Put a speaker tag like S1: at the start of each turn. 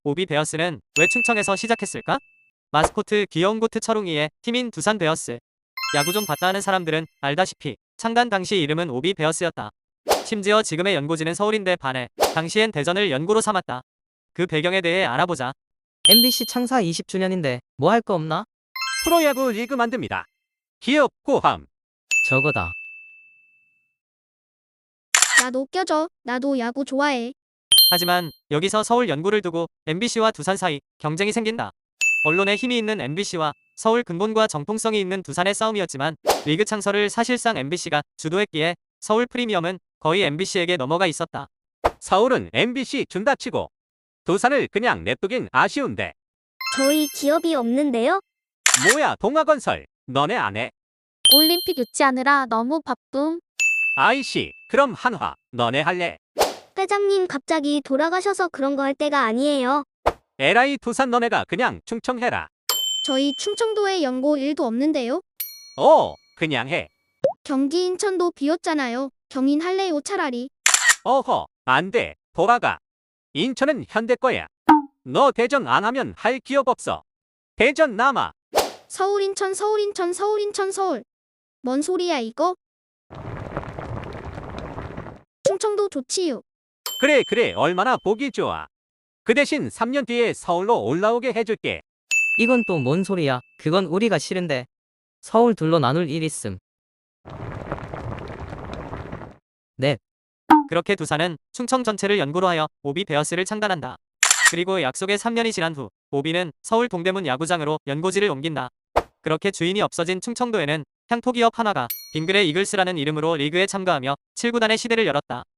S1: 오비 베어스는 왜 충청에서 시작했을까? 마스코트 귀여운 고트 철웅이의 팀인 두산 베어스. 야구 좀 봤다 하는 사람들은 알다시피 창단 당시 이름은 오비 베어스였다. 심지어 지금의 연고지는 서울인데 반해 당시엔 대전을 연고로 삼았다. 그 배경에 대해 알아보자.
S2: MBC 창사 20주년인데 뭐 할 거 없나?
S3: 프로야구 리그 만듭니다. 기업 고함.
S2: 저거다.
S4: 나도 껴줘. 나도 야구 좋아해.
S1: 하지만 여기서 서울 연고를 두고 MBC와 두산 사이 경쟁이 생긴다. 언론에 힘이 있는 MBC와 서울 근본과 정통성이 있는 두산의 싸움이었지만 리그 창설을 사실상 MBC가 주도했기에 서울 프리미엄은 거의 MBC에게 넘어가 있었다.
S3: 서울은 MBC 준다 치고 두산을 그냥 냅두긴 아쉬운데.
S4: 저희 기업이 없는데요?
S3: 뭐야 동아건설 너네 안 해?
S4: 올림픽 유치하느라 너무 바쁨.
S3: IC 그럼 한화 너네 할래?
S4: 회장님 갑자기 돌아가셔서 그런 거 할 때가 아니에요.
S3: LI 두산 너네가 그냥 충청해라.
S4: 저희 충청도에 연고 1도 없는데요?
S3: 그냥 해.
S4: 경기 인천도 비었잖아요. 경인 할래요 차라리.
S3: 어허 안돼 돌아가. 인천은 현대 거야. 너 대전 안 하면 할 기업 없어. 대전 남아.
S4: 서울 인천 서울 인천 서울 인천 서울. 뭔 소리야 이거? 충청도 좋지요.
S3: 그래 얼마나 보기 좋아. 그 대신 3년 뒤에 서울로 올라오게 해줄게.
S2: 이건 또 뭔 소리야? 그건 우리가 싫은데. 서울 둘로 나눌 일 있음. 네.
S1: 그렇게 두산은 충청 전체를 연고로 하여 오비 베어스를 창단한다. 그리고 약속의 3년이 지난 후 오비는 서울 동대문 야구장으로 연고지를 옮긴다. 그렇게 주인이 없어진 충청도에는 향토기업 한화가 빙그레 이글스라는 이름으로 리그에 참가하며 7구단의 시대를 열었다.